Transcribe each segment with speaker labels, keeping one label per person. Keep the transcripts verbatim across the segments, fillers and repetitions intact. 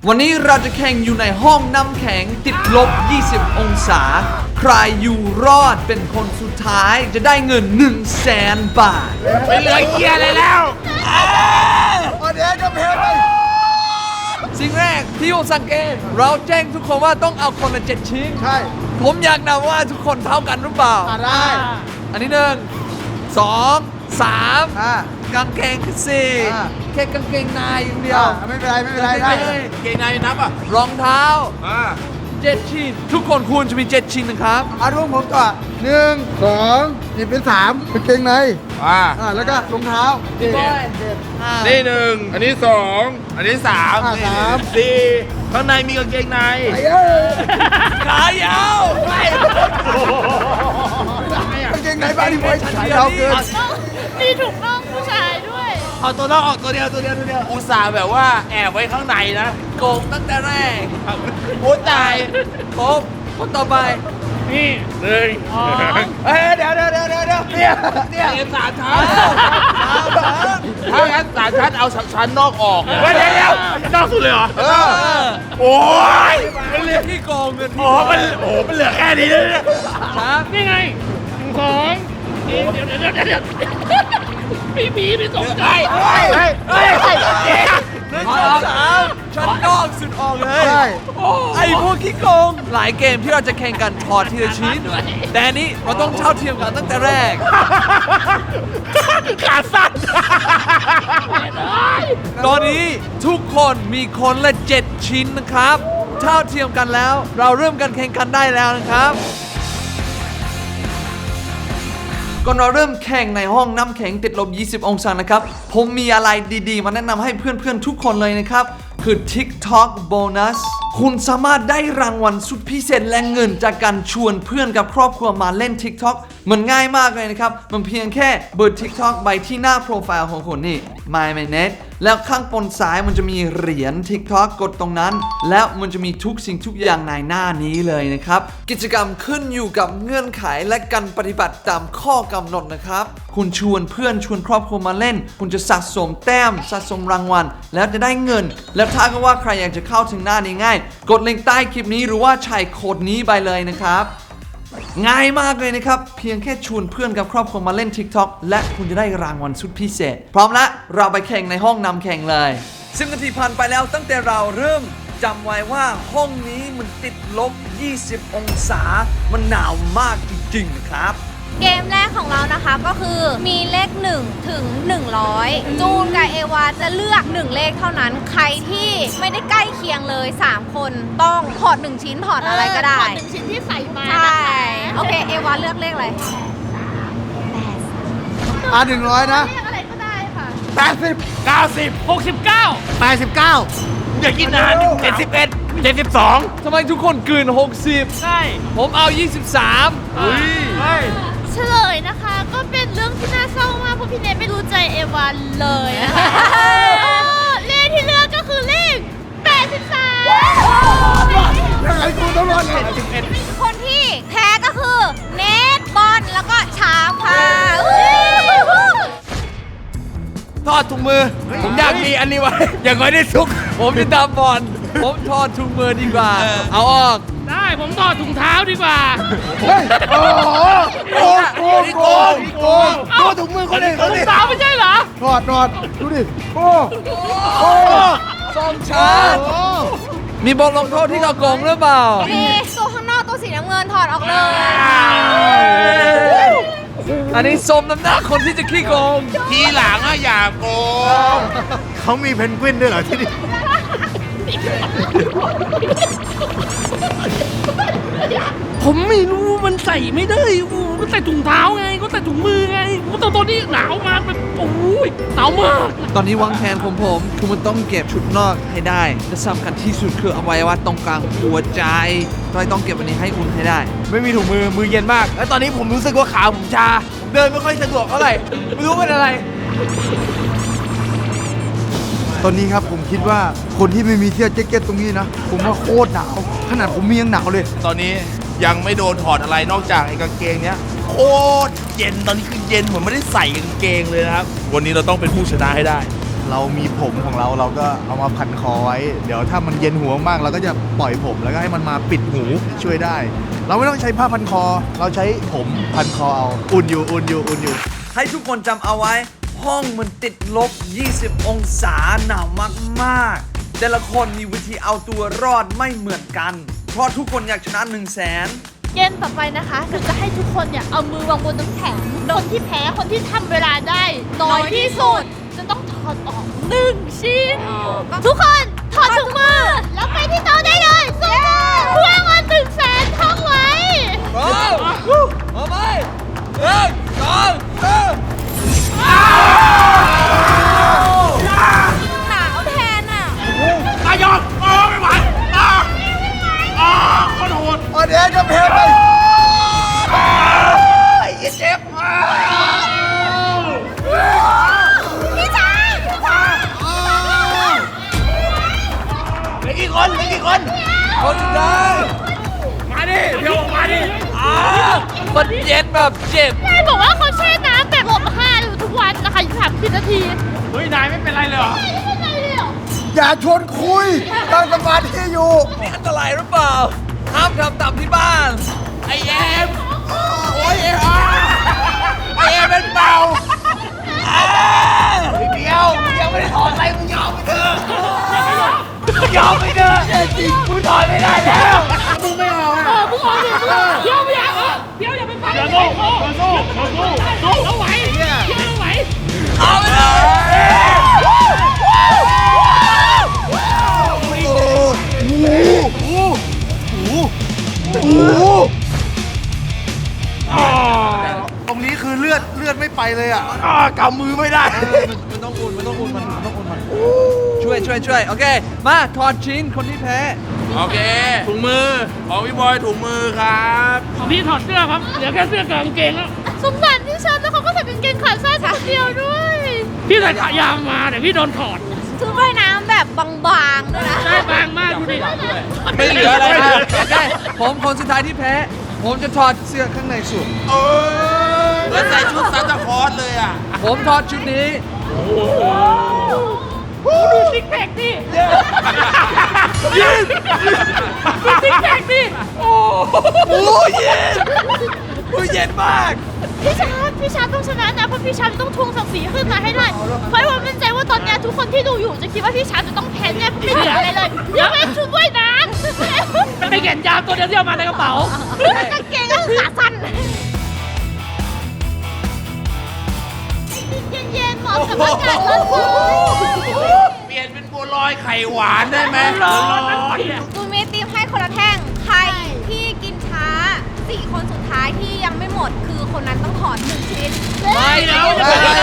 Speaker 1: วันนี้เราจะแข่งอยู่ในห้องน้ำแข็งติดลบ ยี่สิบ องศา ใครอยู่รอดเป็นคนสุดท้ายจะได้เงิน หนึ่งแสน บาท
Speaker 2: ไม่เหลือเกียร์อะไรแล้วเดี๋ยวจะเพลไป
Speaker 1: สิ่งแรกที่ผมสังเกตเราแจ้งทุกคนว่าต้องเอาคนละเจ็ดชิ้น
Speaker 2: ใช่
Speaker 1: ผมอยากนับว่าทุกคนเท่ากันหรือเปล่า
Speaker 2: อ่าได้
Speaker 1: อันนี้หนึ่งสองสาม
Speaker 2: อ่าก
Speaker 1: างเกงคือสี่
Speaker 2: อ่า
Speaker 1: แค่กางเกงในอย่างเดียว
Speaker 2: อ่าไม่เป็นไรไม่เป็นไรได้
Speaker 3: เกงในนับอ่ะ
Speaker 1: รองเท้า
Speaker 3: อ่า
Speaker 1: เจ็ดชิ้น ทุกคนควรจะมีเจ็ดชิ้นนะครับ
Speaker 2: เอาดูผมก่อนหนึ่งสองนี่เป็นสามเป็นเกงใน
Speaker 3: อ่า
Speaker 2: อ่าแล้วก็รองเท้าเจ็ด
Speaker 1: อ่า
Speaker 3: นี่หนึ่งอันนี้สองอันนี้สาม
Speaker 2: อ่าสาม
Speaker 3: สี่ข้างในมีกางเกงใน
Speaker 2: ไอ้เอ้ย
Speaker 1: ขายาว
Speaker 2: กางเกงในบ้านที่ไว้ขายาวเกิน
Speaker 4: มีถุงน่องผู้ชายด้วย
Speaker 3: เอาตัวนอกออกตัวเดียวตัวเดียวตัวเดียวอุตส่าห์แบบว่าแอบไว้ข้างในนะ
Speaker 1: โกงตั้งแต่แรก
Speaker 3: โอ้ตาย
Speaker 1: ครบคนต่อไป
Speaker 3: นี่หนึ่ง
Speaker 2: เอ้ยเดี๋ยวเดี๋ยวเดี๋ยวเดี๋ยวเดี๋ยวเนี่ยเนี่ย
Speaker 3: เอ็มสามชั้นถ้างั้นสามชั้นเอาชั้นนอกออกเดี๋ยวเดี๋ยวนอกสุดเลยเหรอ
Speaker 1: เออ
Speaker 3: โอ้ย
Speaker 1: มันเรียกที่โกงเงิน
Speaker 3: โอ้มันโอ้มันเหลือแค่นี้เลยเนี่ย
Speaker 1: ครับ
Speaker 4: นี่ไงหนึ่งสองเดี๋ยวเดี๋ยวเดี๋ยวเดี๋ยวเดี๋ยวพี่ผีพี่สงใจ
Speaker 3: เฮ้ยเฮ้ยเฮ้ย
Speaker 1: หนึ่งสองสามชั้นนอกสุดออกเลย
Speaker 2: ใช่
Speaker 1: ไอ้พวกขี้โกง หลายเกมที่เราจะแข่งกันถอดทีละชิ้น แต่อันนี้เราต้องเท่าเทียมกันตั้งแต่แรก
Speaker 3: ขาสั้น
Speaker 1: ตอนนี้ทุกคนมีคนละเจ็ดชิ้นนะครับ เท่าเทียมกันแล้ว เราเริ่มการแข่งขันได้แล้วนะครับ ก่อนเราเริ่มแข่งในห้องน้ำแข็งติดลบ ยี่สิบ องศานะครับ ผมมีอะไรดีๆ มาแนะนำให้เพื่อนๆ ทุกคนเลยนะครับ คือ TikTok Bonus คุณสามารถได้รางวัลสุดพิเศษและเงินจากการชวนเพื่อนกับครอบครัวมาเล่น TikTok มันง่ายมากเลยนะครับ มันเพียงแค่เปิด TikTok ไปที่หน้าโปรไฟล์ของคุณนี่ My Minute แล้วข้างบนซ้ายมันจะมีเหรียญ TikTok กดตรงนั้น แล้วมันจะมีทุกสิ่งทุกอย่างในหน้านี้เลยนะครับ กิจกรรมขึ้นอยู่กับเงื่อนไขและการปฏิบัติตามข้อกำหนดนะครับ คุณชวนเพื่อนชวนครอบครัวมาเล่น คุณจะสะสมแต้มสะสมรางวัลแล้วจะได้เงิน แล้วถ้าก็ว่าใครอยากจะเข้าถึงหน้านี้ง่าย กดลิงก์ใต้คลิปนี้หรือว่าใช้โค้ดนี้ไปเลยนะครับ ง่ายมากเลยนะครับ เพียงแค่ชวนเพื่อนกับครอบครัวมาเล่น TikTok และคุณจะได้รางวัลสุดพิเศษ พร้อมแล้วเราไปแข่งในห้องนำแข่งเลยสิบนาทีผ่านไปแล้วตั้งแต่เราเริ่มจำไว้ว่าห้องนี้มันติดลบ ยี่สิบ องศา มันหนาวมากจริงๆนะครับ
Speaker 5: เกมแรกของเรานะคะก็คือมีเลขหนึ่งถึงหนึ่งร้อยจูนกับเอวาจะเลือกหนึ่งเลขเท่านั้นใครที่ไม่ได้ใกล้เคียงเลยสามคนต้องถอดหนึ่งชิ้นถอดอะไรก็ได้
Speaker 4: ถอดหนึ่งชิ้นที่ใส่มา
Speaker 5: ใช่
Speaker 4: นะคะ
Speaker 5: โอเคเอวาเลือกเลขอะไร
Speaker 2: อ่าหนึ่งร้อยนะ
Speaker 4: เลขอะไรก็ได้ค่ะ
Speaker 2: แปดสิบ
Speaker 3: เก้าสิบ
Speaker 4: หกสิบเก้า
Speaker 2: แปดสิบเก้า
Speaker 3: อย่ากินนานเจ็ดสิบเอ็ดเจ็ดสิบสอง
Speaker 1: ทำไมทุกคนกลืนหกสิบ
Speaker 4: ใช่
Speaker 1: ผมเอา ยี่สิบสาม
Speaker 3: อุ้ย
Speaker 4: เฉลยนะคะ ก็เป็นเรื่องที่น่าเศร้ามากเพราะพี่เนทไม่รู้ใจเอวานเลยนะคะเลขที่เลือกก็คือเลขแปดสิบสาม
Speaker 2: ยังไงกูต้องรอดเลย
Speaker 5: คนที่แพ้ก็คือเนทบอลแล้วก็ช้างค่ะอุ๊ย
Speaker 1: ถอดถุงมือ ผมอยากมีอันนี้ไว้ อย่างน้อยได้ซุก ผมจะตามบอลผมถอดถุงมือดีกว่า เอาออก
Speaker 4: ได้ผมถอดถุงเท้าดีกว่า
Speaker 2: เฮ้ยโอ้โหโกงโกงโกงโกงโกงถุงมือคนอื่นเขา
Speaker 4: ถุ
Speaker 2: ดิ
Speaker 4: งเท้าไม่ใช่เหรอ
Speaker 2: ถอดถอดดูดิโอ้โอ้
Speaker 1: สองชั้นมีบทลงโทษที่เราโกงหรือเปล่า
Speaker 5: มีตัวข้างนอกตัวสีน้ำเงินถอดออกเลย
Speaker 1: อันนี้สมน้ำหน้าคนที่จะขี้โกง
Speaker 3: ทีหลังอะอย่าโกง
Speaker 2: เขามีเพนกวินด้วยเหรอที่นี่
Speaker 4: ผมไม่รู้มันใส่ไม่ได้โอ้มันใส่ถุงเท้าไง ก็ใส่ถุงมือไงแต่ตอนนี้หนาวมากแบบโอ้ยหนาวมาก
Speaker 1: ตอนนี้วางแผนของผมคือมันต้องเก็บชุดนอกให้ได้และสำคัญที่สุดคืออวัยวะตรงกลางหัวใจเราต้องเก็บอันนี้ให้อุ่นให้ได้
Speaker 3: ไม่มีถุงมือมือเย็นมาก แล้วตอนนี้ผมรู้สึกว่าขาผมชาผมเดินไม่ค่อยสะดวกเท่าไหร่ไม่รู้เป็นอะไร
Speaker 2: ตอนนี้ครับผมคิดว่าคนที่ไม่มีเสื้อแจ็คเก็ตตรงนี้นะ ผมว่าโคตรหนาวขนาดผมมียังหนาวเลย
Speaker 3: ตอนนี้ยังไม่โดนถอดอะไรนอกจากไอ้กางเกงเนี้ยโคตรเย็นตอนนี้คือเย็นเหมือนไม่ได้ใส่กางเกงเลยนะครับ วันนี้เราต้องเป็นผู้ชนะให้ได้
Speaker 2: เรามีผมของเราเราก็เอามาพันคอไว้ เดี๋ยวถ้ามันเย็นหัวมากเราก็จะปล่อยผมแล้วก็ให้มันมาปิดหูช่วยได้ เราไม่ต้องใช้ผ้าพันคอ เราใช้ผมพันคอเอาอุ่นอยู่อุ่นอยู่อุ่นอยู่
Speaker 1: ให้ทุกคนจำเอาไว้ ห้องมันติดลบ ยี่สิบ องศาหนาวมากๆ แต่ละคนมีวิธีเอาตัวรอดไม่เหมือนกัน เพราะทุกคนอยากชนะ1 0 0 0 0แสน
Speaker 4: เกมต่อไปนะคะคือจะให้ทุกคนเนี่ยเอามือวางบนน้ำแข็งคนที่แพ้คนที่ทำเวลาได้น้อยที่สุดจะต้องถอดออกหนึ่งชิ้น ทุกคนถอดถุงมือแล้วไปที่โต๊ะได้เลยสู้เพื่อเงินหนึ่งแสนท่องไว้
Speaker 1: พร้อมเอาไปหนึ่งสองสาม
Speaker 5: หนาวแทนอ่ะ
Speaker 3: ตายอมโอ้ไม่ไหวอ่าอ่าคนโหด
Speaker 2: ออเดนก็แพ้ไป
Speaker 3: เจ็บ
Speaker 5: พี่ชาย
Speaker 3: เหลือกี่คนเหลือกี่คน
Speaker 1: คนสุดท้าย
Speaker 3: มาดิเดี๋ยวมาดิ
Speaker 1: อ่ามันเย็นแบบเจ็บ
Speaker 4: นายบอกว่าเขาแช่น้ำแบบลบห้าอยู่ทุกวันนะคะอยู่สามสิบนาที
Speaker 3: เฮ้ยนายไม่เป็นไรเลยเหรอ
Speaker 4: ไม่เป็นไรเลยเหรอ
Speaker 2: อย่าชวนคุยตั้งสมาธิอยู่
Speaker 1: นี่อันตรายหรือเปล่า ห้ามทำตามที่บ้าน
Speaker 3: ไอเอ็มโอ้ยเอ็มไอเอ็มเป็นเบาพี่เดียวมึงยังไม่ได้ถอดอะไรมึงยอมไปเถอะยอมไปเถอะจริงมึงถอดไม่ได้แล้วมึงไม่ออกอ่ะ
Speaker 4: เออมึงออกเดี๋ยวเดี๋ยวไม่อยากเออเดี๋ยวอย่าไปฟังเดี๋ยวสู้เดี๋ยวสู้เดี๋ยวสู้สู้เอาไหวเดี๋ยวเอาไหว
Speaker 1: เอาไปเลย
Speaker 2: ตรงนี้คือเลือดเลือดไม่ไปเลยอ่ะ
Speaker 3: อ่ากำมือไม่ได้
Speaker 1: มันต้องอุ่นมันต้องอุ่นมันมันต้องอุ่นมันช่วยช่วยช่วยโอเค มาถอดชิ้นคนที่แพ้
Speaker 3: โอเคถุงมือของพี่บอยถุงมือครับ
Speaker 6: ของพี่ถอดเสื้อครับ เหลือแค่เสื้อกับกางเกงแล้ว
Speaker 4: สงสารที่ฉันแล้วเขาก็ใส่กางเกงขาสั้นคนเดียวด้วย
Speaker 6: พี่ใส่ขายาวมาแต่พี่โดนถอด
Speaker 5: ชุดว่ายน้ำแบบบางๆด้วยนะ
Speaker 6: ได้บางมากดูดิ
Speaker 3: ไม่เหลืออะไร
Speaker 1: อ่ะ
Speaker 3: นะ
Speaker 1: โอเคผมคนสุดท้ายที่แพ้ ผมจะถอดเสื้อข้างในสุด
Speaker 3: เออแล้วใส่ชุดซานตาคลอสเลยอ่ะ
Speaker 1: ผมถอดชุดนี้
Speaker 6: ดูซิกแพคดิยืนดูซิกแพคดิ
Speaker 1: โอ้ยเย็นโอ้ยเย็นมาก
Speaker 4: พี่ชาร์ปพี่ชาร์ปต้องชนะนะเพราะพี่ชาร์ปต้องทวงศักดิ์ศรีขึ้นมาให้ได้เพราะว่ามั่นใจว่าตอนเนี้ยทุกคนที่ดูอยู่จะคิดว่าพี่ชาร์ปจะต้องแพ้แน่เพราะไม่เหลืออะไรเลยยกเว้นชุดว่ายน้ำ
Speaker 6: ไอ้แขนยาวตัวเดียวที่เอามาในกระเป๋า
Speaker 5: กางเกงก็ขาสั้น
Speaker 4: เย็นๆเหมาะกับอากาศร้อน
Speaker 3: เปลี่ยนเป็นบัวลอยไข่หวานได้ไหม
Speaker 6: ร้อนนะเนี่ย
Speaker 5: ตูมีตีมให้คนละแท่ง ใครที่กินช้าสี่คนสุดท้ายที่ยังไม่หมด คือคนนั้นต้องถอนหนึ่งชิ้น
Speaker 1: ไม่แล้ว
Speaker 2: ได้ได้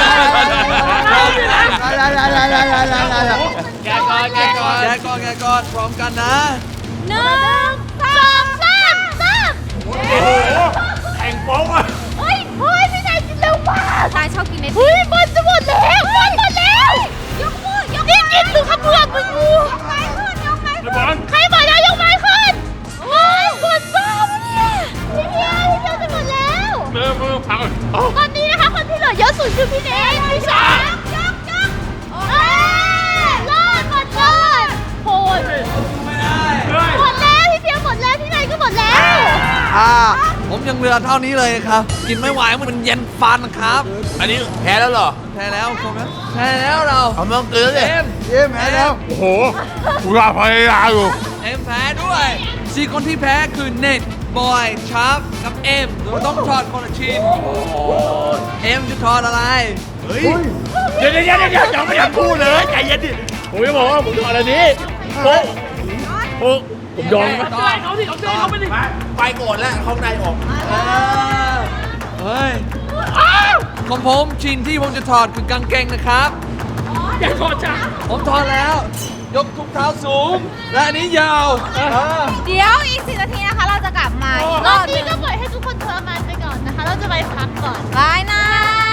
Speaker 2: ได้ได้ได้ได้ได้ได้
Speaker 6: แกก่อนแกก่อน
Speaker 1: แกก่อนแกก่อนพร้อมกันนะ
Speaker 5: หนึ่งสองสามสาม
Speaker 3: แข่งโป๊กอ่ะ
Speaker 4: เฮ้ยเฮ้ยพี่นายกินเร็วมาก
Speaker 5: นายชอบกินเนส
Speaker 4: เฮ้ยบอลจะหมดแล้วบอลหมดแล้ว
Speaker 5: ยกมือยก
Speaker 4: นี่กินหรือขบวนมึงงู
Speaker 5: ไม้ขึ้นยกไม้ขึ้น
Speaker 3: บอล
Speaker 4: ใครบอกแล้วยกไม้ขึ้นโอ้ยปวดบ้าปะเนี่ยพี่เพียพี่เพียจะหมดแล้ว
Speaker 3: มือมือพัง
Speaker 4: ตอนนี้นะคะคนที่เหลือเยอะสุดคือพี่เนยพี่ชาย
Speaker 5: ยกยก
Speaker 4: เอ้ยรอดหมดเลยโหดหมดแล้วพี่เพียหมดแล้วพี่นายก็หมดแล้ว
Speaker 1: อ่า ผมยังเหลือเท่านี้เลยครับ กินไม่ไหวมันเย็นฟันครับ
Speaker 3: อันนี้แพ้แล้วเหรอ
Speaker 1: แพ้แล้วผมนะแพ้แล้วเรา
Speaker 3: เอามาเกลือเลย
Speaker 1: เอ็ม
Speaker 2: เยี่ยมแพ้แล้ว
Speaker 3: โอ้โหกูรอพยายามอยู่
Speaker 1: เอ็มแพ้ด้วยสี่คนที่แพ้คือเน็ตบอยชาร์ปกับเอ็มเราต้องถอดคนละชิ้นเอ็มจะถอดอะไร
Speaker 3: เฮ้ยเดี๋ยวเดี๋ยวเดี๋ยวเดี๋ยวยังไม่อยากพูดเลยใจเย็นดิผมจะบอกว่าผมถอดอันนี้โป๊ะโป๊ะผมยอมไหม
Speaker 6: ช่วยเขาดิเอาช่วยเขาไปดิ
Speaker 3: ไปก่อนแล้วเขาในออก
Speaker 1: เฮ้ยของผมชิ้นที่ผมจะถอดคือกางเกงนะครับ
Speaker 6: อย่าถอดจ้ะ
Speaker 1: ผมถอดแล้ว ยกทุกเท้าสูง และอันนี้ยาวอ่า
Speaker 5: เดี๋ยวอีกสี่นาทีนะคะ เราจะกลับมาอีกร
Speaker 4: ร
Speaker 5: อ
Speaker 4: อ
Speaker 5: บบ ห
Speaker 4: นี้
Speaker 5: นึ่ง
Speaker 4: ก็ปล่อยให้ทุกคนทรมานไปก่อนนะคะ เราจะไปพักก่อน
Speaker 5: บายนะ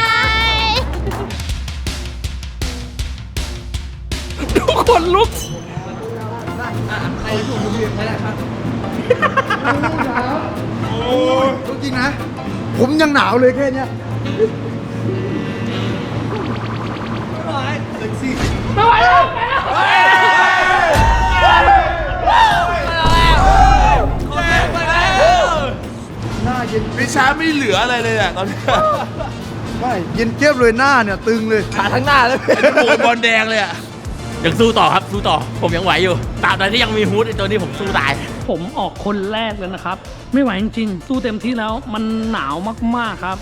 Speaker 6: ทุกคนลุก
Speaker 1: ใครถูกเรียนใครนะครับ
Speaker 2: จริงนะ ผมยังหนาวเลยแค่เนี้ย
Speaker 1: ไม่ไหว
Speaker 2: เซ็กซี่
Speaker 3: ช้าไม่เหลืออะไรเลยอะตอนนี้
Speaker 2: ไม่เย็นเจี๊ยบเลยหน้าเนี่ยตึงเลย
Speaker 3: ขาทั้งหน้าเลยโอ้ยบอลแดงเลยอะยังสู้ต่อครับสู้ต่อผมยังไหวอยู่ตราบใดที่ยังมีฮูดไอตัวนี้ผมสู้ตาย
Speaker 6: ผมออกคนแรกเลยนะครับ ไม่ไหวจริงๆ สู้เต็มที่แล้วมันหนาวมากๆครับ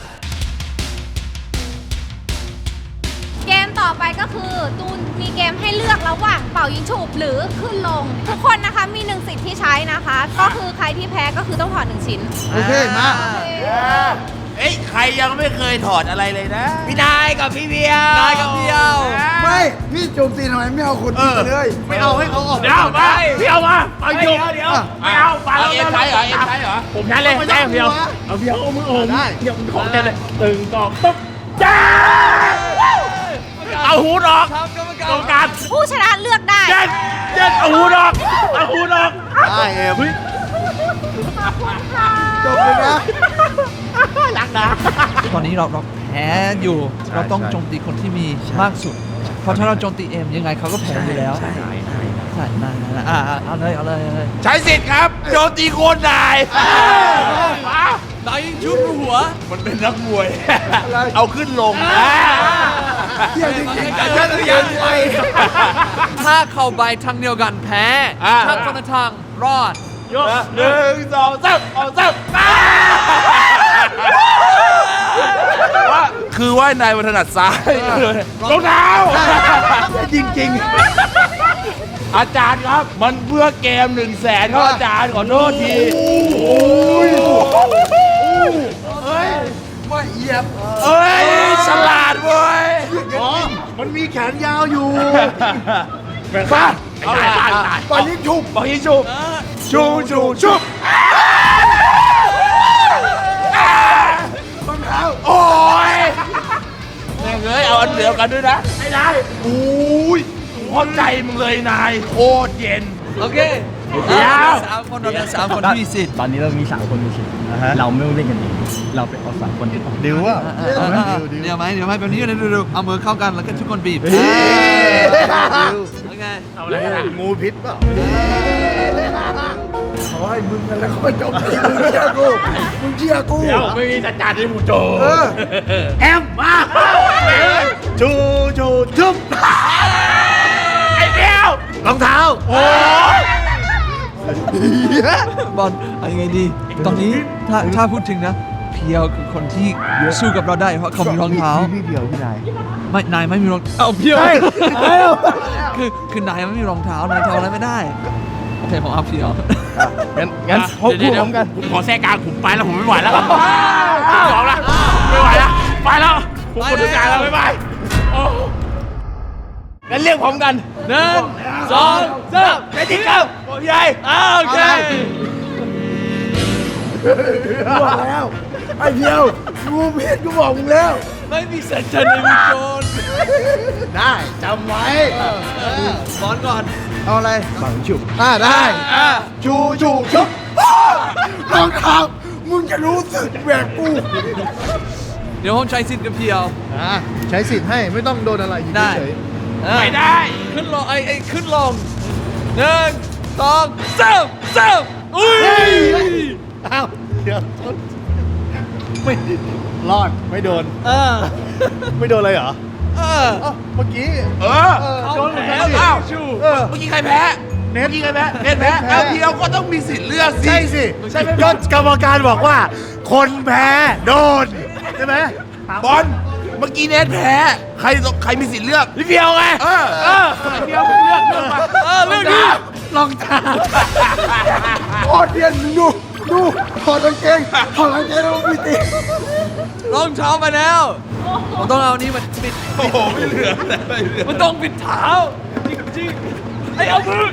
Speaker 5: เกมต่อไปก็คือตูนมีเกมให้เลือกระหว่างเป่ายิงฉุบหรือขึ้นลง ทุกคนนะคะมีหนึ่งสิทธิ์ที่ใช้นะคะ ก็คือใครที่แพ้ก็คือต้องถอดหนึ่งชิ้น
Speaker 2: โอเค มา
Speaker 3: เอ้ยใครยังไม่เคยถอดอะไรเลยนะพี่นายกับพี่เบียร์
Speaker 1: นายกับเพียว
Speaker 2: ไม่ พี่โจมตีทำไมไม่เอาคนอื่นเลย ไม่เอาให้เขาออก
Speaker 3: เดี๋ยวมาพี่เอามาเอาอยู่เดี๋ยวไม่เอาไปแล้วเอ็มใช้เหรอเอ็มใช้เหรอผมใช้เลยใช้เพียวเอาเพียวเอามือผมเดี๋ยวของแกเลยตึงต่อตุ๊บจ้าเอาหูดออก
Speaker 1: ครับกรรมการ
Speaker 3: ตรงกลาง
Speaker 5: ผู้ชนะเลือกได้
Speaker 3: เจ็ดเจ็ดเอาหูดออกเอาหูดออก
Speaker 2: ได้เอ็มจบเลยนะ
Speaker 3: รักนะ
Speaker 1: ตอนนี้เราเราแพ้อยู่
Speaker 2: ใช่
Speaker 1: เราต้อง
Speaker 2: ใช่
Speaker 1: โจมตีคนที่มีมากสุด เพราะถ้าเราโจมตีเอ็มยังไงเขาก็แพ้อยู่แล้ว
Speaker 3: ใช่ใช่
Speaker 1: ใช่นั่นนะอ่าอ่าเอาเลยเอาเลยเอาเลย
Speaker 3: ใช้สิทธิ์ครับโจมตีโคนนาย
Speaker 1: นายยิงชุดหัว
Speaker 3: มันเป็นนักมวย เอาขึ้นลง
Speaker 2: เที่ยวจริงๆ
Speaker 3: แต่ถ้าเรียนไป
Speaker 1: ถ้าเข้าไปทางเดียวกันแพ้
Speaker 3: อ่า
Speaker 1: ถ้าคนละทางรอด
Speaker 3: ยกหนึ่งสองสามเอาสามคือว่านายมันถนัดซ้ายรองเท้า
Speaker 2: จริง
Speaker 3: อาจารย์ครับ มันเพื่อเกมหนึ่งแสนครับอาจารย์ขอโทษที
Speaker 2: ๆว่าเหยียบ
Speaker 3: เอ้ย ฉลาดเว้ย
Speaker 2: อ๋อ มันมีแขนยาวอยู่
Speaker 3: ฟ้าเอาตายตายตาย
Speaker 2: ปล่อยยิงฉุบ
Speaker 3: ปล่อยยิงฉุบชูชูชุบ
Speaker 2: รองเท้า
Speaker 3: โอ้ยแม่งเอ้ยเอาอันเดียวกันด้วยนะไม่ได้อุ้ยเข้าใจมึงเลยนายโคตรเย็น
Speaker 1: โอเค
Speaker 3: เดี๋ยว
Speaker 1: เราสามคนเราเหลือสามคนที่มีสิทธิ์
Speaker 7: ตอนนี้เรามีสามคนมีสิทธิ์เราไม่ต้องเล่นกันเองเราไปเอาสามคนที่ออก
Speaker 2: ดิวว่า
Speaker 1: อ่าอ่าอ่าอ่าเดี๋ยวไหมเดี๋ยวไหมแบบนี้เดี๋ยวดูดูเอามือเข้ากันแล้วก็ทุกคนบีบ
Speaker 2: ดิว
Speaker 1: โอเค
Speaker 3: เอาอะไรกัน
Speaker 2: งูพิษเปล่าเขาให้มึงกันแล้วเขาไปจบตีมึงเชื่อกู มึงเชื่อกู
Speaker 3: เดี๋ยวไม่มีจัดการที่มูโจ
Speaker 2: เออ
Speaker 3: แอมมา
Speaker 2: ชูชูชุบ
Speaker 3: ไอ้เดียว
Speaker 2: รองเท้า
Speaker 3: โอ้
Speaker 1: บอลเอายังไงดี ตอนนี้ถ้าถ้าพูดถึงนะ เพียวคือคนที่สู้กับเราได้เพราะเขามีรองเท้า
Speaker 2: พี่เดียวพี่นาย
Speaker 1: ไม่นายไม่มีรองเอาเพียวคือคือนายไม่มีรองเท้านายทำอะไรไม่ได้โอเคผมเอาเพียว
Speaker 2: งั้นงั้นพบคู่พร้อมกัน
Speaker 3: ผมขอแทรกกลางผมไปแล้วผมไม่ไหวแล้วผมยอมละไม่ไหวแล้วไปแล้วผมหมดทุกอย่างแล้วบ๊ายบายโอ้งั้นเรียกพร้อมกันหนึ่งสองสามเจติครับโอ้ยใหญ่โอเค
Speaker 2: บอกแล้ว ไอ้เดียวงูพิษกูบอกมึงแล้ว
Speaker 1: ไม่มีสัญชาติในมือโจร
Speaker 2: ได้จำไว้
Speaker 1: บอลก่อน
Speaker 2: เอาอะไรบังฉุบอ่าได้
Speaker 1: อ่า
Speaker 2: ชูชูชุบรองเท้ามึงจะรู้สึกแบบกู
Speaker 1: เดี๋ยวผมใช้สิทธิ์กับเพียว
Speaker 2: อ่าใช้สิทธิ์ให้ไม่ต้องโดนอะไรอยู่
Speaker 1: ได้
Speaker 2: เฉย
Speaker 3: ไม่ได้
Speaker 1: ขึ้นลงไอ้ไอ้ขึ้นลงหนึ่งสองสามสามอุ้ย
Speaker 2: อ้าวเดี๋ยวไม่รอดไม่โดน
Speaker 1: เออ
Speaker 2: ไม่โดนเลยเหรอ
Speaker 1: เออ
Speaker 2: เอ้าเมื่อกี้
Speaker 3: เออ
Speaker 2: โดนเหมือนกัน
Speaker 3: อ้าว
Speaker 2: ดิ
Speaker 3: อ้าว
Speaker 2: เออ
Speaker 3: เมื่อกี้ใครแพ้เมื่อกี้ใครแพ้เน็ตแพ้
Speaker 2: เน็ตแพ้
Speaker 3: แล้วเพียวก็ต้องมีสิทธิ์เลือกสิ
Speaker 2: ใช่สิ
Speaker 3: ใช่ไหม
Speaker 2: ก็กรรมการบอกว่า คนแพ้โดนใช่ไหม
Speaker 3: บอลเมื่อกี้เน็ตแพ้ใครใครมีสิทธิ์เลือกพี่เพียวไงเออเออเพียวเลือกเลือกมา
Speaker 1: เออเรื่องนี้
Speaker 2: รองเท้าโคตรเดียนดูดูถอดกางเกงถอดกางเกงแล้วมีตี
Speaker 1: รองเท้ามาแล้วผมต้องเอานี้มาปิด
Speaker 3: โอ้โหไม่เหลืออะไรเหลือ
Speaker 1: มันต้องปิดเท้าจริงๆไอ้เอามือ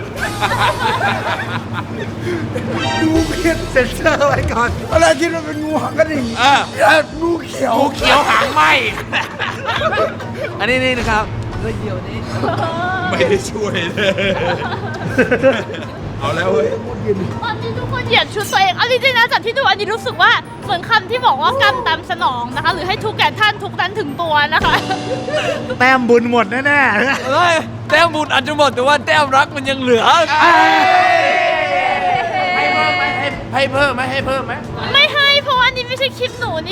Speaker 2: ดูเพียนเซ็นเซอร์ไว้ก่อนอะไรคิดว่าเป็นงูหางกระดิ่ง
Speaker 3: เออ
Speaker 2: เอ้ยงูเขียว
Speaker 3: งูเขียวหางไหม
Speaker 1: อันนี้นี่นะครับเรื่องเดียวนี้
Speaker 3: ไม่ได้ช่วยเลยเอาแล้วเว้ย
Speaker 4: ตอนนี้ทุกคนเหยียดชุดตัวเองเอาจริงๆนะจากที่ดูอันนี้รู้สึกว่าเหมือนคำที่บอกว่ากรรมตามสนองนะคะ หรือให้ทุกแก่ท่านทุกนั้นถึงตัวนะคะ
Speaker 2: แต้มบุญหมดแน่
Speaker 1: เฮ้ยแต้มบุญอาจจะหมดแต่ว่าแต้มรักมันยังเหลือ
Speaker 3: ให้เพิ่มไหมให้ให้เพิ่มไหมให้เพิ่มไหม
Speaker 4: ไม่ให้เพราะว่าอันนี้ไม่ใช่คลิปหนู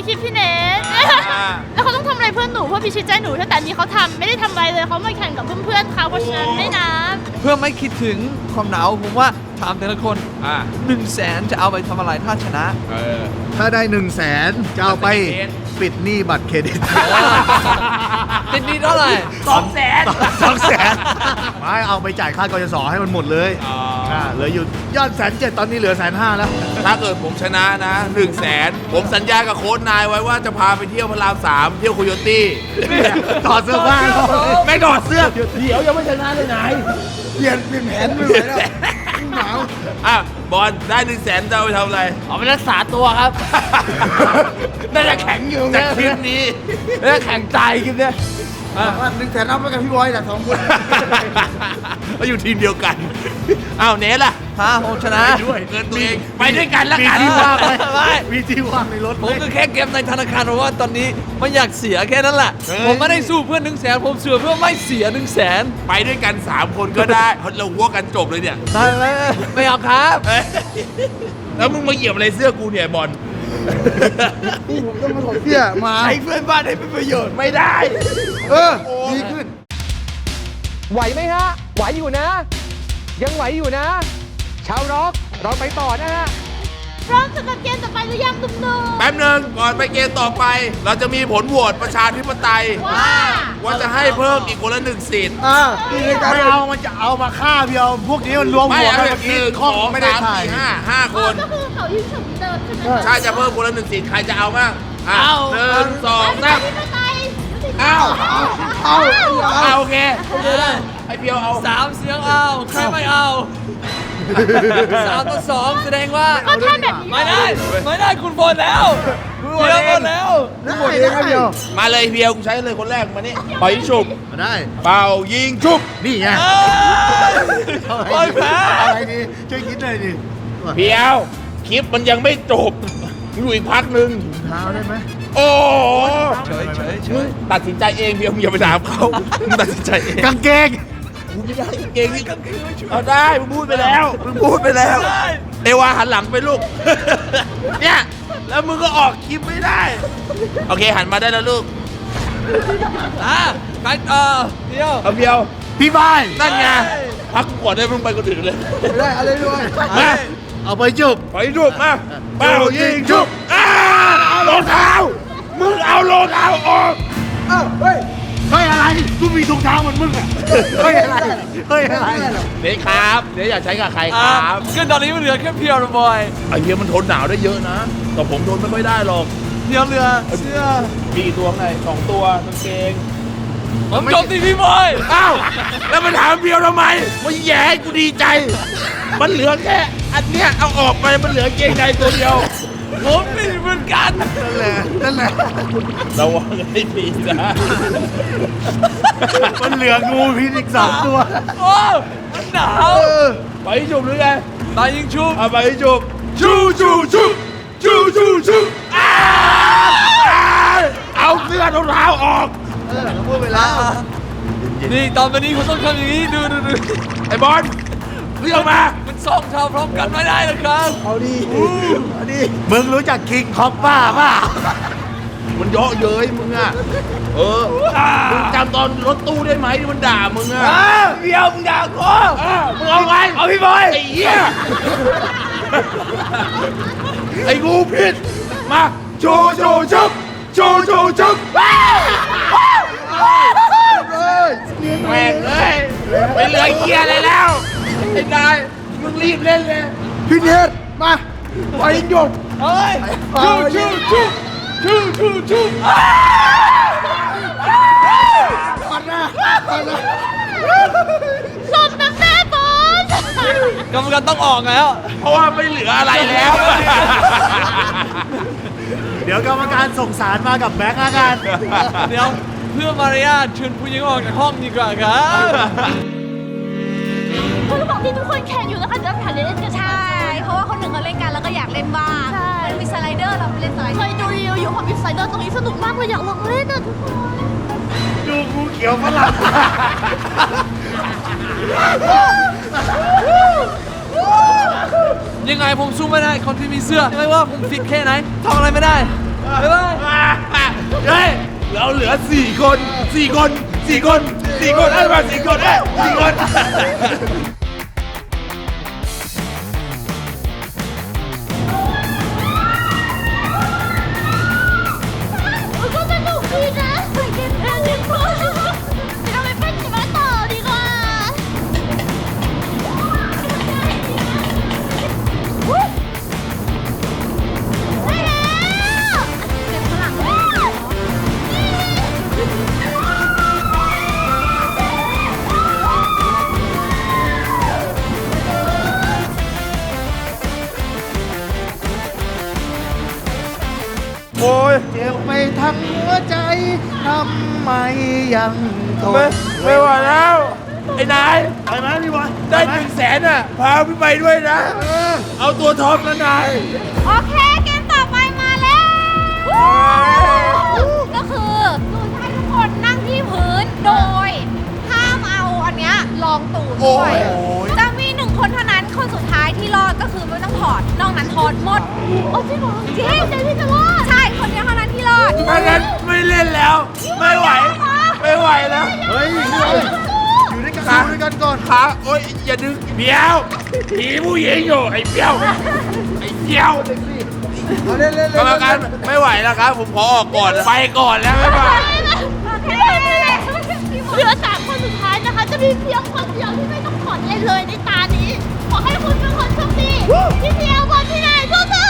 Speaker 4: คลิปพี่เนทแล้วเขาต้องทำอะไรเพื่อนหนูเพราะพี่ชิดใจหนูแต่อันนี้เขาทำไม่ได้ทำอะไรเลยเขามาแข่งกับเพื่อนๆเขาเพราะฉะนั้นไม่นะ
Speaker 1: เพื่อไม่คิดถึงความหนาวผมว่าถามแต่ละคน
Speaker 3: อ่า
Speaker 1: หนึ่งแสนจะเอาไปทำอะไรถ้าชนะ
Speaker 3: เออ
Speaker 2: ถ้าได้หนึ่งแสนจะเอาไปปิดหนี้บัตรเครดิต
Speaker 1: ติดหนี้เท่าไหร่
Speaker 3: สองแสน
Speaker 2: สองแสนไม่เอาไปจ่ายค่ากยศให้มันหมดเลย
Speaker 3: อ๋อ
Speaker 2: อ่าเหลืออยู่ยอดแสนเจ็ดตอนนี้เหลือแสนห้าแล้ว
Speaker 3: ถ้าเกิดผมชนะนะหนึ่งแสนผมสัญญากับโค้ชนายไว้ว่าจะพาไปเที่ยวพระรามสามเที่ยวโคโยตี้
Speaker 2: ถอดเสื้อผ้าแล้ว
Speaker 3: ไม่ถอดเสื้อ
Speaker 7: เดี๋ยวยังไม่ชนะเลยไหน
Speaker 2: เปลี่ยนเปลี่ยนแผนไม่ไหวแล้วหนาว
Speaker 3: อ่ะบอลได้หนึ่งแสนจะเอาไปทำอะไร
Speaker 6: เอาไปรักษาตัวครับ น่าจะแข็งอยู่
Speaker 3: จาก
Speaker 6: นะ
Speaker 3: คลิปนี้
Speaker 6: น่าจะแข็งใจคลิปเนี้ย
Speaker 2: หนึ่งแสนเอาไปกับพี่บอยแหละสองคน
Speaker 3: เราอยู่ทีมเดียวกัน อ้าวเนสล่ะ
Speaker 1: ถ้าผมชนะ
Speaker 3: ด้วยเงินตัวเอง ไปด้วยกันละ
Speaker 2: มี
Speaker 3: กัน
Speaker 2: ที่ว่างไหม
Speaker 1: ไม่
Speaker 2: มีที่ว่างในรถไห
Speaker 1: ผม มก็แค่เก็บในธนาคารเพราะว่าตอนนี้ไม่อยากเสียแค่นั้นแหละ ผมไม่ได้สู้เพื่อหนึ่งแสนผมเสือเพื่อไม่เสียหนึ่งแสน
Speaker 3: ไปด้วยกันสามคนก็ได้เราหัวกันจบเลยเนี่ย
Speaker 1: ได้ไหมไม่เอาครับ
Speaker 3: เอ้ยแล้วมึงมาเหยียบอะไรเสื้อกูเนี่ยบอล
Speaker 2: นี่ผมต้องมาถอดเสื้อมา
Speaker 3: ใช้เพื่อนบ้านให้เป็นประโยชน์ไม่ได้
Speaker 2: เออดีขึ้น
Speaker 8: ไหวไหมฮะ ไหวอยู่นะ ยังไหวอยู่นะ ชาวร็อกเราไปต่อนะฮะ
Speaker 4: พร้อมสำหรับเกมต่อไปหรือยังหนุ่ม
Speaker 3: แป๊บหนึ่งก่อนไปเกมต่อไป เราจะมีผลโหวตประชาธิปไตย
Speaker 4: ๆว่า
Speaker 3: ว่าจะให้เพิ่มอีกคนละหนึ่งสิทธิ์
Speaker 2: อ่าไม่เอามันจะเอามาฆ่าเพียว พวกนี้มันรวม
Speaker 3: ไม่
Speaker 2: หัว
Speaker 3: เอา
Speaker 2: กัน
Speaker 3: แบ
Speaker 2: เมื่
Speaker 3: บ
Speaker 2: อ
Speaker 3: ห
Speaker 2: กี้
Speaker 3: นึ่ง
Speaker 2: ข้
Speaker 3: ส
Speaker 2: อ
Speaker 3: อง
Speaker 2: ไม่ได้
Speaker 3: สาม
Speaker 2: ถ่าย
Speaker 3: สี่ห้าห้าค
Speaker 4: อ๋อน ก็คือเขายิ่งฉุนเดิมใช่ไหมคะ
Speaker 3: ใช่จะเพิ่มคนละหนึ่งสิทธิ์ใครจะเอาบ้างอ่ะหนึ่งสองสาม
Speaker 4: ที่ไป
Speaker 3: เอา
Speaker 2: เอา
Speaker 3: เอาโอเคไอเพียวเอา
Speaker 1: สามเสียงเอาใครไม่เอาสามต่อสองแสดงว่า
Speaker 4: ก็ถ้าแบบนี้
Speaker 1: ไม่ได้ ไม่ได้คุณบอลแล้วเดี๋ยวบอลแล้ว
Speaker 2: หมดเองครับเพียว
Speaker 3: มาเลยเพียวกูใช้เลยคนแรกมานี่ปล่อยยิงฉุบ
Speaker 2: มาได้
Speaker 3: เป่ายิงฉุบ
Speaker 2: นี่ไง
Speaker 1: บอลแพ้
Speaker 2: อะไรดีช่วยคิดหน่อยดิ
Speaker 3: เพียวคลิปมันยังไม่จบอยู่อีกพักหนึ่ง
Speaker 2: เท้าได้ไหม
Speaker 3: โอ้โห
Speaker 1: เฉยเฉยเฉย
Speaker 3: ตัดสินใจเองเพียวมึงอย่าไปถามเขามึงตัดสินใจเอง
Speaker 2: กางเกง
Speaker 3: กูไม่ได้เก่งนี่เอาได้มึงพูดไปแล้วมึงพูดไปแล้วเอวาหันหลังไปลูก เนี่ยแล้วมึงก็ออกคลิปไม่ได้ โอเคหันมาได้แล้วลูก
Speaker 1: อ่ะใครเออเดียว
Speaker 3: เอาเพียว
Speaker 2: พี่บาย
Speaker 3: นั่นไงพักก่อนได้มึงไปคนอื่นเลย
Speaker 2: ไม่ได้อะไรด้วย
Speaker 3: มา
Speaker 2: เอาไปจุบ
Speaker 3: ไปจุบมาเป้ายิงจุบอ้ารองเท้ามึงเอารองเท้าออก
Speaker 2: อ้าวเฮ้ยเฮ้ยอะไรกูมีถุงเท้าเหมือนมึงอ่ะเฮ้ยอะไรเฮ้ยอะไร
Speaker 3: เดี๋ยวครับเดี๋ยวอยากใช้กับใครค
Speaker 1: อ่ะ
Speaker 3: รับ
Speaker 1: คือตอนนี้มันเหลือแค่เพียวนะบอย
Speaker 3: ไอ้เฮียมันทนหนาวได้เยอะนะแต่ผมทนไม่ค่อยได้หรอก
Speaker 1: เพียวเหลือเสื้อ
Speaker 3: มีกี่ตัวไงสองตัวกางเกง
Speaker 1: ผมจบที่พี่บอย
Speaker 3: อ้าวแล้วมาถามเพียวทำไมมันแย่ให้กูดีใจ มันเหลือแค่อันเนี้ยเอาออกไปมันเหลือเกงในตัวเดียว
Speaker 1: ผมไม่เหมือนกัน
Speaker 2: นั่นแหละนั่นแหละ
Speaker 3: ระวังให้ดีนะ
Speaker 2: มันเหลืองูพิษอีกสองตัว
Speaker 1: โอ้มันหนาว
Speaker 3: ไปจุบหรือไง
Speaker 1: ตายยิงชุบ
Speaker 3: เอาไปจุบชูชูชูชูชูชูอ้าวเอาเสื้อรองเท้าออก
Speaker 2: เออเขาพูดไปแล้ว
Speaker 1: นี่ตอนวันนี้คุณต้องทำอย่างนี้ดูดูดู
Speaker 3: ไอ้บอลเรียกมา
Speaker 1: มันสองเท้าพร้อมกันไม่ได้นะครับ
Speaker 2: เอาดิเอาดิมึงรู้จักคิงคอปป้าป่ะ
Speaker 3: มันเยาะเย้ยมึงอ่ะเออมึงจำตอนรถตู้ได้ไหมที่มันด่ามึงอ่ะ
Speaker 6: เดียวมึงด่ากู
Speaker 3: มึงเอาไง
Speaker 6: เอาพี่บอย
Speaker 3: ไอ้เหี้ยไอ้งูพิษมาโชว์โชว์ชุบโชว์โชว์ชุบแม่งเลยไม่เหลือเหี้ยอะไรแล้วไอ้นายมึงรีบเล่นเลย
Speaker 2: พี่เนทมาไปหยก
Speaker 1: เฮ้ย
Speaker 2: ชูชูชูชูชูชูปันนะปันนะ
Speaker 4: สมน้ำหน้าบอล
Speaker 1: กรรมการต้องออกแล้ว
Speaker 3: เพราะว่าไม่เหลืออะไรแล้ว
Speaker 2: เดี๋ยวกรรมการส่งสารมากับแบงค์ละกัน
Speaker 1: เดี๋ยวเพื่อมารยาทเชิญผู้หญิงออกจากห้องดีกว่าครับ
Speaker 4: คือบอกที่ทุกคนแข่งอยู่นะคะจะผ่านเล่นกัน
Speaker 5: ใช่ เพราะว่าคนหนึ่งเขาเล่นกันแล้วก็อยากเล่นบ้าง
Speaker 4: ใช่
Speaker 5: มันมีสไลเดอร์เราไปเล่นสไลเด
Speaker 4: เค
Speaker 5: อร์
Speaker 4: ยดูรีวิวอยู่ของบิ๊กไซเดอร์ตรงนี้สนุกมากเลยอยากลองเล่นอ่ะทุกคน
Speaker 2: ดูงูเขียวฝรั่ง
Speaker 1: ยังไงผมสู้ไม่ได้คนที่มีเสื้อไม่ว่าผมฟิตแค่ไหนทำอะไรไม่ได้บ๊ายบาย
Speaker 3: เฮ้ยเราเหลือสี่คนสี่คนสี่คนสี่คนเอ้ยมาสี่คนเอ้ยสี่คน
Speaker 4: มันก็สนุกดีนะไปเก็บแรงดีกว่าเดี๋ยวเราไปเป็นหิมะต่อดีกว่าวู้ได้แล้วเก็บข้างหลังเลย
Speaker 2: โอ้ยเจ็บไปทั้งหัวใจทำไมยังทน
Speaker 3: ไม่ไม่ไหวแล้ว ไอ้นาย
Speaker 2: ไปไหมพี่บอย
Speaker 3: ได้หนึ่งแสนอ่ะ พาพี่ไปด้วยนะ เอาตัวท็อปนะนาย
Speaker 5: โอเคเกมต่อไปมาแล้วก็คือหนูจะให้ทุกคนนั่งที่พื้นโดยห้ามเอาอันเนี้ยรองตูดด้วย
Speaker 2: โอ้ย
Speaker 5: จะมีหนึ่งคนเท่านั้นคนสุดท้ายที่รอดก็คือไม่ต้องถอดนอกนั้นถอดหมด
Speaker 4: โอ้จริงเหรอ
Speaker 5: จริงเจพี่จะรอดใช่คนเดียวเท่านั้นที่รอด
Speaker 3: ถ้างั้นไม่เล่นแล้ว ไม่ไหว ไม่ไหวแล้ว
Speaker 2: เฮ้ยพี่บอยอยู่ด้วยกันอยู่ด้วยกันก่อน
Speaker 3: ขาโอ๊ยอย่าดึงเบี้ยวผีผู้หญิงอยู่ไอ้เบี้ยว ไอ้เบี้ยว
Speaker 2: เอาเล่นเล่น
Speaker 3: กรรมการไม่ไหวแล้วครับ ผมขอออกก่อน ไปก่อนแล้วบ๊ายบาย
Speaker 4: เหลือสามคนสุดท้ายนะคะ จะมีเพียงคนเดียวที่ไม่ต้องถอดอะไรเลยในตานี้ ขอให้คุณเป็นคนโชคดีพี่เพียวบอลที่ไหนสู้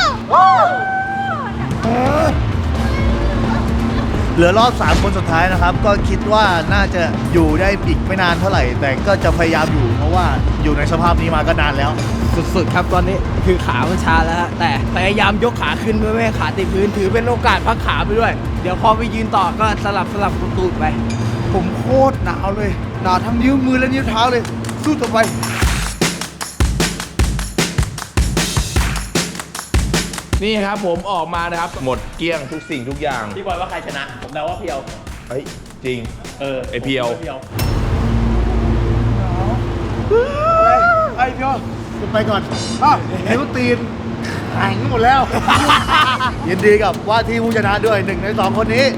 Speaker 4: ๆ
Speaker 2: เหลือรอบสามคนสุดท้ายนะครับ ก็คิดว่าน่าจะอยู่ได้อีกไม่นานเท่าไหร่ แต่ก็จะพยายามอยู่ เพราะว่าอยู่ในสภาพนี้มาก็นานแล้ว
Speaker 7: สุดๆครับตอนนี้คือขามันชาแล้วฮะแต่พยายามยกขาขึ้นเพื่อไม่ให้ขาติดพื้นถือเป็นโอกาสพักขาไปด้วย เดี๋ยวพอไปยืนต่อก็สลับสลับตูดๆไป
Speaker 2: ผมโคตรหนาวเลย หนาวทั้งนิ้วมือและนิ้วเท้าเลย สู้ต่อไป
Speaker 3: นี่ครับผมออกมานะครับ หมดเกลี้ยงทุกสิ่งทุกอย่าง
Speaker 7: พี่บอยว่าใครชนะ ผมเดาว่าเพียว
Speaker 3: เฮ้ย จริง
Speaker 7: เออ
Speaker 3: ไอเพียว
Speaker 7: เพียว
Speaker 2: ไอ้พี่คุณไปก่อนอ้าวนิ้วตีนแข็งหมดแล้ว ยินดีกับว่าที่ผู้ชนะด้วยหนึ่งในสองคนนี้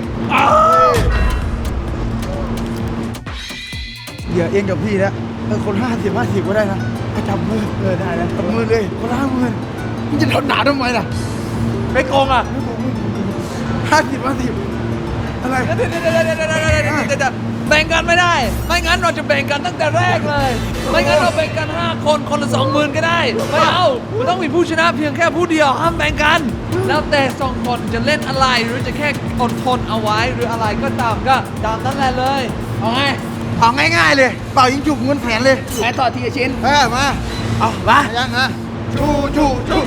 Speaker 2: เดี๋ยวเองกับพี่นะเออคนห้าสิบห้าสิบก็ได้นะไปจับมือเออได้นะจับมือเลยคนละห้ามือมึงจะทนหนาทำไมล่ะ
Speaker 3: ไม่โกงอ่ะ
Speaker 2: ห้าสิบห้าสิบอะไร
Speaker 1: เดี๋ยวเดี๋ยวเดี๋ยวเดี๋ยวเดี๋ยวเดี๋ยวเดี๋ยวเดี๋ยวแบ่งกันไม่ได้ ไม่งั้นเราจะแบ่งกันตั้งแต่แรกเลย ไม่งั้นเราแบ่งกันห้าคนคนละสองหมื่นก็ได้ ไม่เอามันต้องมีผู้ชนะเพียงแค่ผู้เดียวห้ามแบ่งกัน แล้วแต่สองคนจะเล่นอะไรหรือจะแค่อดทนเอาไว้หรืออะไรก็ตามก็ตามนั้นแหละเลยเอาไง
Speaker 2: เอาง่ายๆเลย เป่ายิงจุกเงินแสนเลย
Speaker 7: แพ้ต่อทีละชิ้น
Speaker 2: เออมา
Speaker 3: เอามา
Speaker 2: ยังนะชูชูชู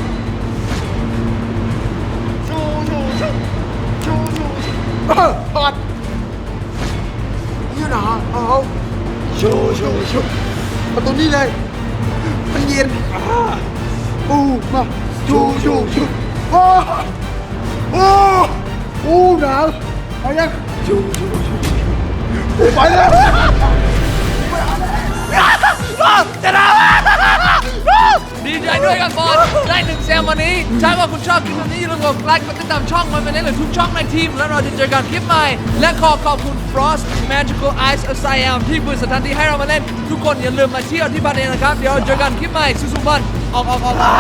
Speaker 2: ชูชูชูชูชูชูเออถอดนี่นะเอาชูชูชูเอาตรงนี้เลย มันเย็นอ่าอู้มาชูชูชูโอ้โอ้โอ้หนาวเอายังชูชูชูไปแล้ว
Speaker 1: จะได้ดีใจด้วยกันบอลได้หนึ่งแซมวันนี้ถ้าว่าคุณชอบคลิปนี้อย่าลืมกดไลค์กดติดตามช่องมันเป็นได้เลยทุกช่องในทีม แล้วเราจะเจอกันคลิปใหม่ และขอขอบคุณ Frost Magical Ice of Siam ที่เปิดสถานที่ให้เรามาเล่น ทุกคนอย่าลืมมาเที่ยวที่บ้านเองนะครับ เดี๋ยวเจอกันคลิปใหม่สุดๆบอลออกออกออกออก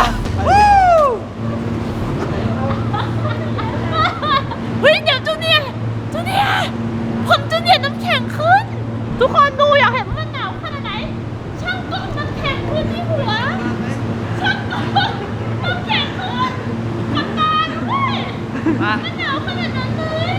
Speaker 4: เฮ้ยเดี๋ยวจูเนียร์จูเนียร์ผมจูเนียร์น้ำแข็งขึ้น ทุกคนดูอยากเห็นว่ามันหนาวขนาดไหน ช่างกล้องน้ำแข็งขึ้นที่หัว ช่างกล้องน้ำแข็งขึ้นทำงานด้วยมันหนาวขนาดนั้นเลย